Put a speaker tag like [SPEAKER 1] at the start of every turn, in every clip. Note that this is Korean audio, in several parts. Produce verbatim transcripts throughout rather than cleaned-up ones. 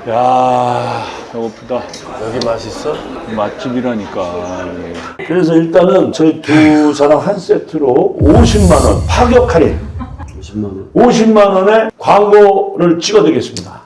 [SPEAKER 1] 야, 배고프다.
[SPEAKER 2] 여기 맛있어?
[SPEAKER 1] 맛집이라니까.
[SPEAKER 3] 그래서 일단은 저희 두 사람 한 세트로 오십만 원 파격 할인
[SPEAKER 2] 오십만 원.
[SPEAKER 3] 오십만 원에 광고를 찍어드리겠습니다.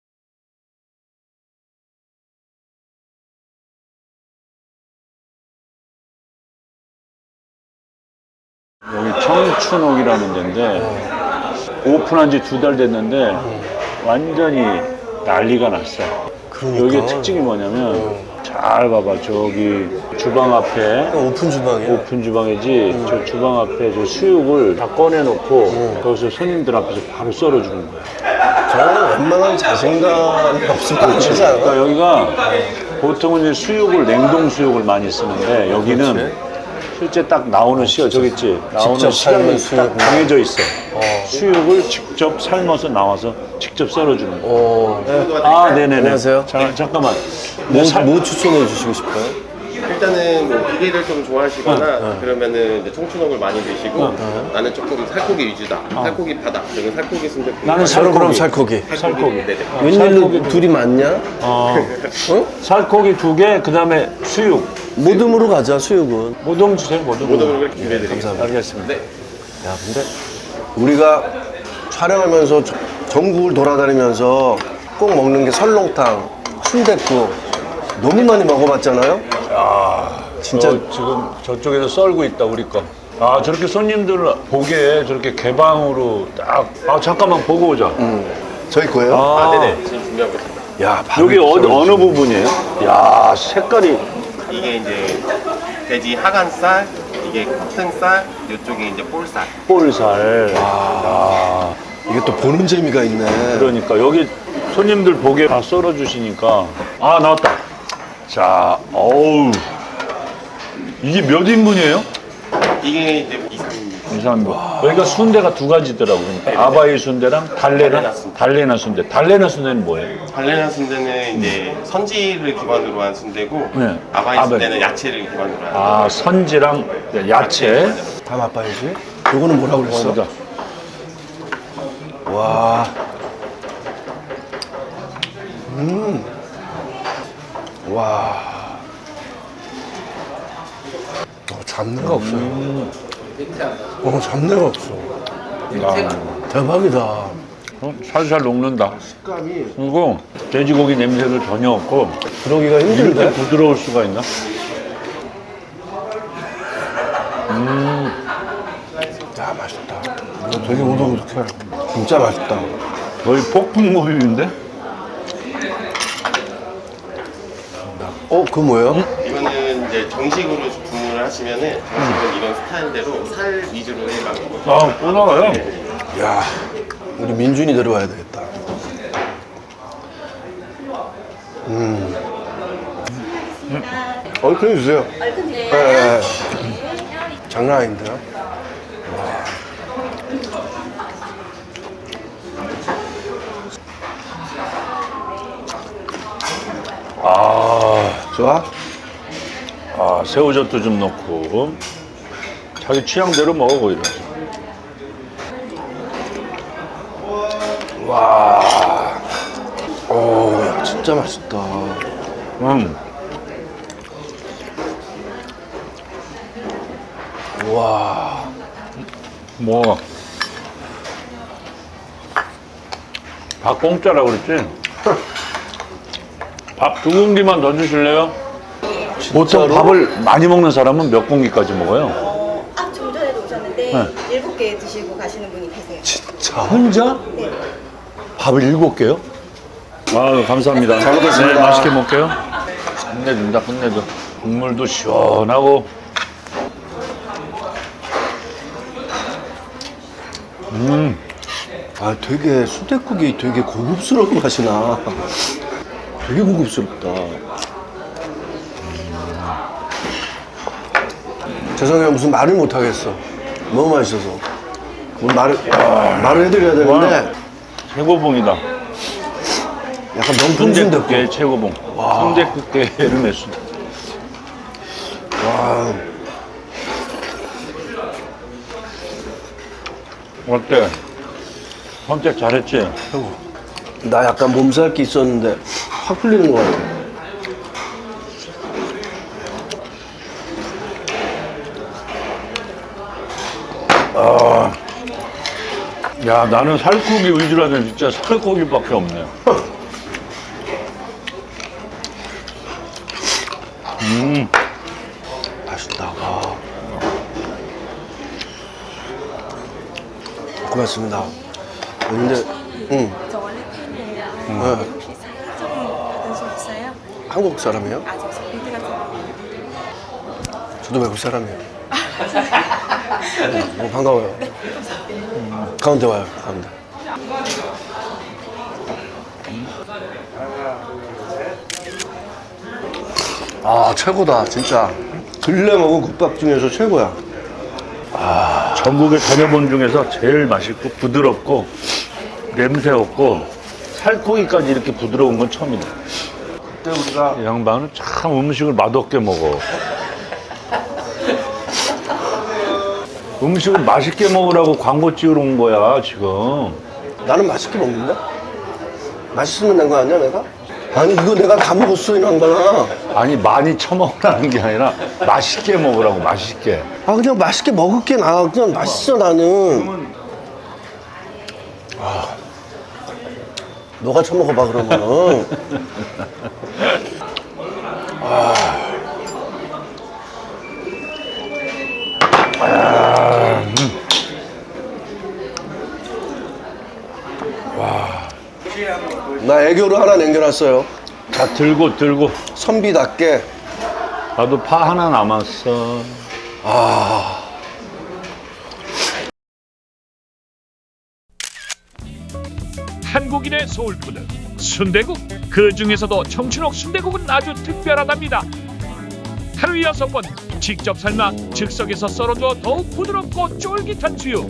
[SPEAKER 1] 여기 청춘옥이라는 데인데 오픈한 지 두 달 됐는데 완전히 난리가 났어.
[SPEAKER 2] 그러니까.
[SPEAKER 1] 여기의 특징이 뭐냐면 잘 봐봐. 저기 주방 앞에
[SPEAKER 2] 오픈 주방이야.
[SPEAKER 1] 오픈 주방이지. 저 주방 앞에 저 수육을 다 꺼내놓고 거기서 손님들 앞에서 바로 썰어주는 거야.
[SPEAKER 2] 저는 웬만한 자신감이 없으면 못 치지 않아?
[SPEAKER 1] 그러니까 여기가 보통은 이제 수육을 냉동 수육을 많이 쓰는데 여기는
[SPEAKER 2] 그렇지.
[SPEAKER 1] 실제 딱 나오는 시간 저기 있지. 나오는
[SPEAKER 2] 직접
[SPEAKER 1] 시간이
[SPEAKER 2] 삶은
[SPEAKER 1] 딱
[SPEAKER 2] 수육.
[SPEAKER 1] 정해져 있어. 수육을 직접 삶아서 나와서 직접 썰어주는 거야.
[SPEAKER 2] 어.
[SPEAKER 1] 아, 네네네.
[SPEAKER 2] 안녕하세요.
[SPEAKER 1] 자, 잠깐만.
[SPEAKER 2] 뭐,
[SPEAKER 1] 네, 살-
[SPEAKER 2] 뭐 추천해 주시고 싶어요?
[SPEAKER 4] 일단은 뭐 비계를 좀 좋아하시거나 그러면은 이제 청춘옥을 많이 드시고 나는 조금 살코기 위주다. 살코기 파다. 그러면 살코기 순댓국.
[SPEAKER 1] 나는
[SPEAKER 2] 저는 그럼
[SPEAKER 1] 살코기.
[SPEAKER 2] 살코기.
[SPEAKER 4] 살코기. 네네.
[SPEAKER 2] 웬일로 둘이 맞냐?
[SPEAKER 1] 어,
[SPEAKER 2] 어?
[SPEAKER 1] 살코기 두 개, 그 다음에 수육.
[SPEAKER 2] 모듬으로 가자, 수육은.
[SPEAKER 1] 모듬 주세요, 모듬.
[SPEAKER 4] 모든 걸 준비해드리겠습니다.
[SPEAKER 1] 알겠습니다.
[SPEAKER 2] 야, 근데 우리가 촬영하면서 저- 전국을 돌아다니면서 꼭 먹는 게 설렁탕, 순댓국 너무 많이 먹어봤잖아요? 진짜
[SPEAKER 1] 저 지금 저쪽에서 썰고 있다, 우리 거. 아, 저렇게 손님들 보게 저렇게 개방으로 딱. 아, 잠깐만 보고 오자.
[SPEAKER 2] 저희 거예요?
[SPEAKER 4] 아,
[SPEAKER 1] 아,
[SPEAKER 4] 네네. 지금 준비하고 있습니다.
[SPEAKER 2] 야,
[SPEAKER 1] 여기
[SPEAKER 2] 밥이
[SPEAKER 1] 어느, 어느 부분이에요? 야, 색깔이.
[SPEAKER 4] 이게 이제 돼지 하간살, 이게 커튼살, 이쪽에 이제 볼살.
[SPEAKER 1] 볼살. 야,
[SPEAKER 2] 이게 또 보는 재미가 있네.
[SPEAKER 1] 그러니까 여기 손님들 보게 다 썰어주시니까. 아, 나왔다. 자, 어우. 이게 몇 인분이에요?
[SPEAKER 4] 이게 이제 이, 삼 인.
[SPEAKER 1] 이상합니다. 여기가 순대가 두 가지더라고. 그러니까 아바이 순대랑 달래나
[SPEAKER 4] 달래나 순대.
[SPEAKER 1] 달래나 순대. 달래나 순대는 뭐예요?
[SPEAKER 4] 발레나 순대는 이제 선지를 기반으로 한 순대고
[SPEAKER 1] 네.
[SPEAKER 4] 아바이
[SPEAKER 1] 아바이.
[SPEAKER 4] 순대는 야채를 기반으로 한.
[SPEAKER 1] 아, 선지랑 야채.
[SPEAKER 2] 다 맛봐야지. 요거는 뭐라고 그랬어?
[SPEAKER 1] 그러니까
[SPEAKER 2] 와. 음. 와. 어, 잡내가 없어요. 어, 잡내가 없어.
[SPEAKER 1] 야,
[SPEAKER 2] 대박이다.
[SPEAKER 1] 어, 살살 녹는다. 그리고 돼지고기 냄새도 전혀 없고
[SPEAKER 2] 그러기가
[SPEAKER 1] 이렇게
[SPEAKER 2] 힘든데?
[SPEAKER 1] 부드러울 수가 있나?
[SPEAKER 2] 야, 맛있다. 이거 되게 오독오독해. 진짜 맛있다.
[SPEAKER 1] 거의 폭풍모유인데?
[SPEAKER 2] 어, 그 뭐예요?
[SPEAKER 4] 이거는 이제 정식으로 주문을 하시면은 정식은 이런 스타일대로 살 위주로 해가지고.
[SPEAKER 1] 아, 또 나와요.
[SPEAKER 2] 야, 우리 민준이 데려와야 되겠다. 음. 얼큰 주세요. 얼큰 주세요. 네. 장난 아닌데요?
[SPEAKER 1] 아,
[SPEAKER 2] 좋아?
[SPEAKER 1] 아, 새우젓도 좀 넣고 자기 취향대로 먹어 보이라.
[SPEAKER 2] 와. 오, 야, 진짜 맛있다.
[SPEAKER 1] 음,
[SPEAKER 2] 와.
[SPEAKER 1] 뭐. 밥 공짜라고 그랬지? 밥 두 공기만 더 주실래요? 보통
[SPEAKER 2] 진짜로?
[SPEAKER 1] 밥을 많이 먹는 사람은 몇 공기까지 먹어요?
[SPEAKER 5] 아, 좀 전에도 오셨는데 일곱 개 드시고 가시는 분이 계세요.
[SPEAKER 2] 진짜?
[SPEAKER 1] 혼자?
[SPEAKER 5] 네.
[SPEAKER 2] 밥을 일곱 개요?
[SPEAKER 1] 아, 감사합니다.
[SPEAKER 2] 잘 먹겠습니다.
[SPEAKER 1] 네, 맛있게 먹게요. 끝내준다, 끝내줘. 국물도 시원하고. 음,
[SPEAKER 2] 아, 되게 순댓국이 되게 고급스러운 맛이 나. 되게 고급스럽다. 죄송해요. 무슨 말을 못 하겠어. 너무 맛있어서. 뭐 말을, 말을 해드려야 되는데,
[SPEAKER 1] 최고봉이다.
[SPEAKER 2] 약간 명품 순댓국.
[SPEAKER 1] 순대국계 최고봉. 순대국계 에르메스다.
[SPEAKER 2] 와,
[SPEAKER 1] 어때? 선택 잘했지?
[SPEAKER 2] 나 약간 몸살기 있었는데 확 풀리는 것 같아.
[SPEAKER 1] 야, 나는 살코기 위주로 하면 진짜 살코기밖에 없네. 음,
[SPEAKER 2] 맛있다. 와. 고맙습니다. 근데, 응,
[SPEAKER 6] 저 원래 팬이에요.
[SPEAKER 2] 네.
[SPEAKER 6] 혹시 사진 좀 받은 적 있어요?
[SPEAKER 2] 한국 사람이에요?
[SPEAKER 6] 아, 저 빌드 같은 거.
[SPEAKER 2] 저도 외국 사람이에요. 음, 어, 반가워요. 음, 가운데 와요, 가운데. 아, 최고다, 진짜. 근래 먹은 국밥 중에서 최고야.
[SPEAKER 1] 전국에 다녀본 중에서 제일 맛있고 부드럽고 냄새 없고 살코기까지 이렇게 부드러운 건 처음이다.
[SPEAKER 2] 그때 우리가
[SPEAKER 1] 이 양반은 참 음식을 맛없게 먹어. 음식을 맛있게 먹으라고 광고 찍으러 온 거야, 지금.
[SPEAKER 2] 나는 맛있게 먹는데? 맛있으면 된 거 아니야, 내가? 아니, 이거 내가 다 먹었어, 이 양반아.
[SPEAKER 1] 아니, 많이 처먹으라는 게 아니라 맛있게 먹으라고, 맛있게.
[SPEAKER 2] 아, 그냥 맛있게 먹을게, 나. 그냥 맛있어, 나는. 아, 너가 처먹어봐, 그러면은. 나 애교로 하나 남겨놨어요.
[SPEAKER 1] 자, 들고, 들고.
[SPEAKER 2] 선비답게.
[SPEAKER 1] 나도 파 하나 남았어.
[SPEAKER 2] 아,
[SPEAKER 7] 한국인의 소울푸드 순대국. 그 중에서도 청춘옥 순대국은 아주 특별하답니다. 하루 여섯 번 직접 삶아 즉석에서 썰어줘 더욱 부드럽고 쫄깃한 수육.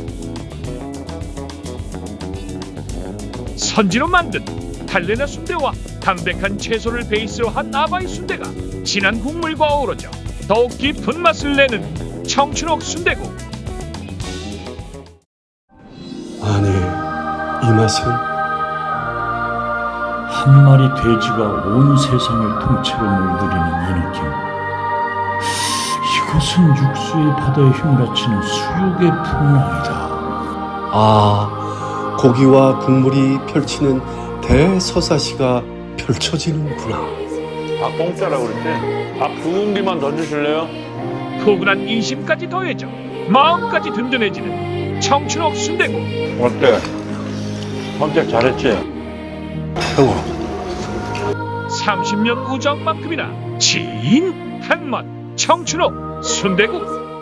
[SPEAKER 7] 선지로 만든 달래나 순대와 담백한 채소를 베이스로 한 아바이 순대가 진한 국물과 어우러져 더욱 깊은 맛을 내는 청춘옥 순대국.
[SPEAKER 2] 아니, 이 맛은?
[SPEAKER 3] 한 마리 돼지가 온 세상을 통째로 물들이는 이 느낌. 이것은 육수의 바다에 휘몰아치는 수육의 풍랑이다.
[SPEAKER 2] 아, 고기와 국물이 펼치는 대서사시가 펼쳐지는구나.
[SPEAKER 1] 밥 공짜라고 그랬지? 밥 두 공기만 던져줄래요?
[SPEAKER 7] 포근한 인심까지 더해져 마음까지 든든해지는 청춘옥 순대국.
[SPEAKER 1] 어때? 선택 잘했지?
[SPEAKER 2] 아이고.
[SPEAKER 7] 삼십 년 우정만큼이나 진한 맛 청춘옥 순대국.